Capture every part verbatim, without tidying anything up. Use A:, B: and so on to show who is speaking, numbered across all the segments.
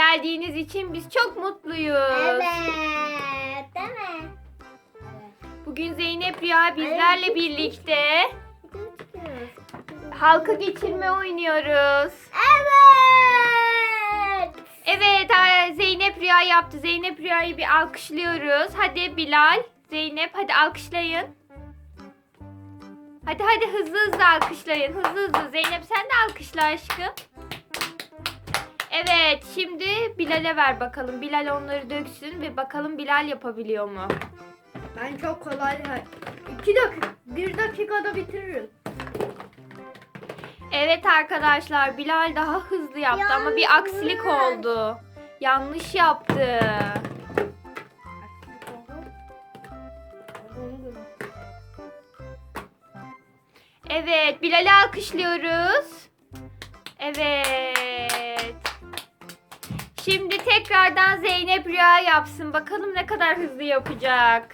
A: geldiğiniz için biz çok mutluyuz.
B: Evet. Değil mi?
A: Bugün Zeynep Rüya bizlerle
B: Evet.
A: birlikte
B: Evet.
A: halka geçirme oynuyoruz.
B: Evet.
A: Evet, ha, Zeynep Rüya yaptı. Zeynep Rüya'yı bir alkışlıyoruz. Hadi Bilal, Zeynep hadi alkışlayın. Hadi hadi hızlı hızlı alkışlayın. Hızlı hızlı. Zeynep sen de alkışla aşkım. Evet, şimdi Bilal'e ver bakalım. Bilal onları döksün ve bakalım Bilal yapabiliyor mu?
C: Ben çok kolay. İki dakika, bir dakikada bitiririm.
A: Evet arkadaşlar, Bilal daha hızlı yaptı ama bir aksilik oldu. Yanlış yaptı. Evet, Bilal'i alkışlıyoruz. Evet. Şimdi tekrardan Zeynep Rüya yapsın. Bakalım ne kadar hızlı yapacak.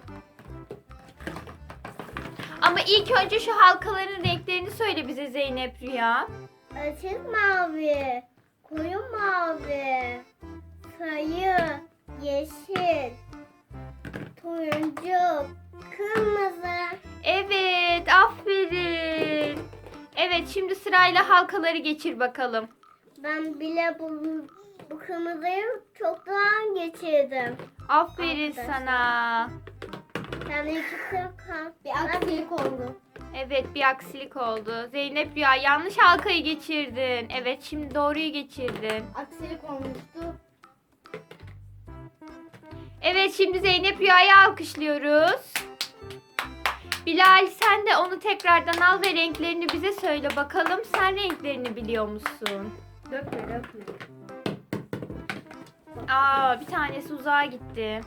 A: Ama ilk önce şu halkaların renklerini söyle bize Zeynep Rüya.
B: Açık mavi, koyu mavi, sayı, yeşil, turuncu, kırmızı.
A: Evet, aferin. Evet, şimdi sırayla halkaları geçir bakalım.
B: Ben bile bu, bu kırmızıyı çoktan geçirdim.
A: Aferin
B: Arkadaşlar.
A: sana.
B: Yani iki kırk
C: Bir aksilik oldu.
A: Evet, bir aksilik oldu. Zeynep Rüya yanlış halkayı geçirdin. Evet, şimdi doğruyu geçirdin.
C: Aksilik olmuştu.
A: Evet, şimdi Zeynep Rüya'yı alkışlıyoruz. Bilal sen de onu tekrardan al ve renklerini bize söyle bakalım. Sen renklerini biliyor musun?
C: Dökme dökme.
A: Aa, bir tanesi uzağa gitti.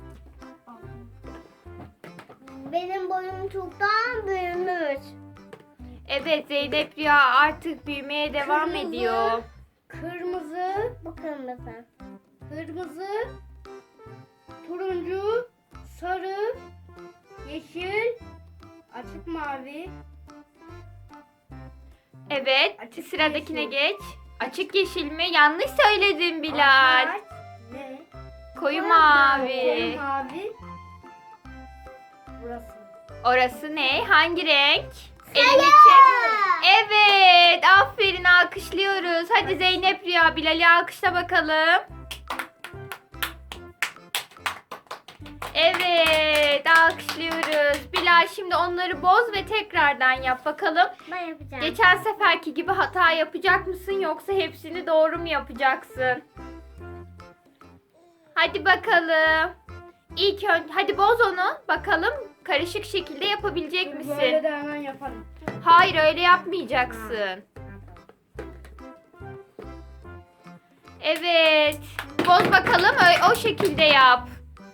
B: Benim boyum çoktan büyümüş.
A: Evet, Zeynep Rüya artık büyümeye devam
C: Kırmızı.
A: ediyor.
C: Kırmızı,
B: Bu kırmızı.
C: kırmızı, turuncu, sarı, yeşil, açık mavi.
A: Evet,
C: Açık
A: sıradakine
C: yeşil.
A: geç. Açık yeşil mi? Yanlış söyledin Bilal.
C: Ahmet, ne?
A: Koyu
C: Koyu
A: mavi.
C: mavi. Burası.
A: Orası ne? Hangi renk?
B: Sarı.
A: Elini çek. Evet, aferin alkışlıyoruz. Hadi Zeynep Rüya, Bilal'i alkışla bakalım. Evet, alkışlıyoruz. Bilal şimdi onları boz ve tekrardan yap bakalım.
B: Ben yapacağım.
A: Geçen seferki gibi hata yapacak mısın yoksa hepsini doğru mu yapacaksın? Hadi bakalım. İlk önce hadi boz onu bakalım karışık şekilde yapabilecek misin?
C: Böyle de hemen yaparım.
A: Hayır öyle yapmayacaksın. Evet. Boz bakalım ö- o şekilde yap.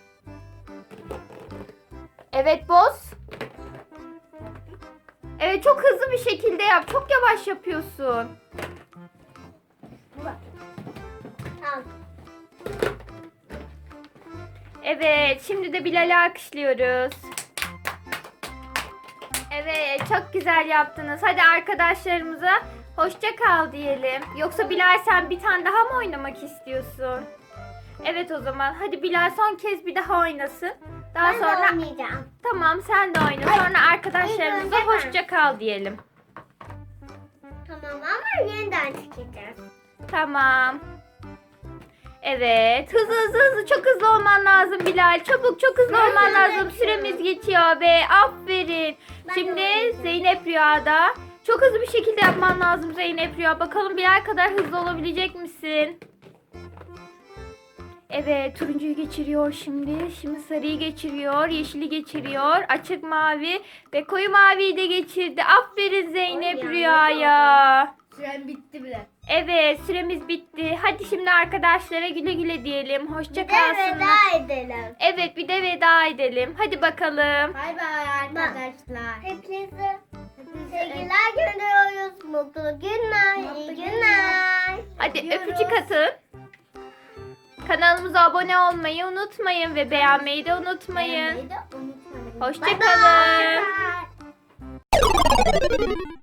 A: Evet boz. Evet çok hızlı bir şekilde yap. Çok yavaş yapıyorsun.
B: Tamam.
A: Evet şimdi de Bilal'i alkışlıyoruz. Evet çok güzel yaptınız. Hadi arkadaşlarımıza hoşça kal diyelim. Yoksa Bilal sen bir tane daha mı oynamak istiyorsun? Evet o zaman hadi Bilal son kez bir daha oynasın. Daha
B: Ben
A: sonra
B: de oynayacağım.
A: tamam sen de oyna. Sonra arkadaşlarımıza
B: ilk önce ben.
A: hoşça kal diyelim.
B: Tamam ama yeniden çıkacağız.
A: Tamam. Evet. Hızlı hızlı hızlı çok hızlı olman lazım Bilal. Çabuk çok hızlı
B: Ben
A: olman
B: de
A: lazım.
B: bekliyorum.
A: Süremiz geçiyor be. Aferin.
B: Ben de
A: Şimdi
B: oynayacağım.
A: Zeynep Rüya'da. Çok hızlı bir şekilde yapman lazım Zeynep Rüya. Bakalım Bilal kadar hızlı olabilecek misin? Evet, turuncuyu geçiriyor şimdi. Şimdi sarıyı geçiriyor, yeşili geçiriyor, açık mavi ve koyu maviyi de geçirdi. Aferin Zeynep
B: Oy,
A: Rüya'ya.
C: Süren bitti bile.
A: Evet, süremiz bitti. Hadi şimdi arkadaşlara güle güle diyelim. Hoşça
B: Bir de
A: kalsınlar.
B: veda edelim.
A: Evet, bir de veda edelim. Hadi bakalım.
C: Bay bay arkadaşlar.
B: Hepinize
C: Hepinize
B: sevgiler gönderiyoruz. Mutlu günler,
C: Mutlu
B: iyi
C: günler.
B: günler.
A: Hadi
C: Öpüyoruz.
A: öpücük atın. Kanalımıza abone olmayı unutmayın ve beğenmeyi de unutmayın.
B: Beğenmeyi de unutmayın.
A: Hoşça
B: Bye bye.
A: kalın.
B: Bye bye.